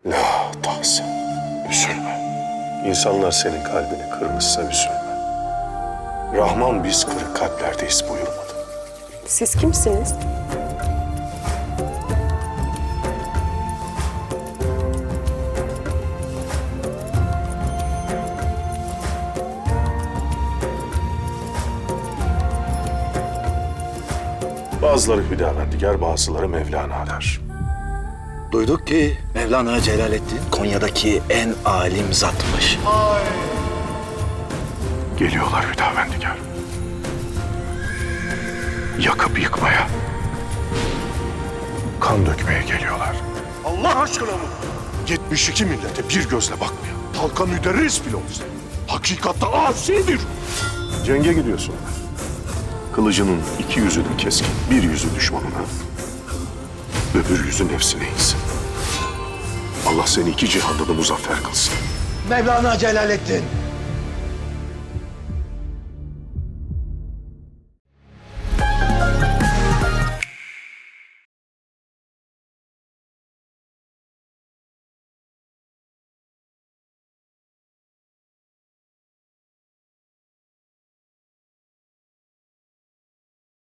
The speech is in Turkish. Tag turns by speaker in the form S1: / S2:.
S1: La tahsen. Üzülme. İnsanlar senin kalbini kırmışsa üzülme. Rahman biz kırık kalplerdeyiz buyurmadı.
S2: Siz kimsiniz?
S1: Bazıları Hüdavendigar, bazıları Mevlana der.
S3: Duyduk ki Mevlana Celaleddin Konya'daki en alim zatmış.
S1: Geliyorlar Hüdavendigar. Yakıp yıkmaya, kan dökmeye geliyorlar. Allah aşkına mı? 72 millete bir gözle bakmayan, halka müderris bile olsa, hakikatte asidir. Cenge gidiyorsun. Kılıcının iki yüzü de keskin, bir yüzü düşmanına, öbür yüzü nefsine insin. Allah seni iki cihanda da muzaffer kılsın.
S3: Mevlana Celaleddin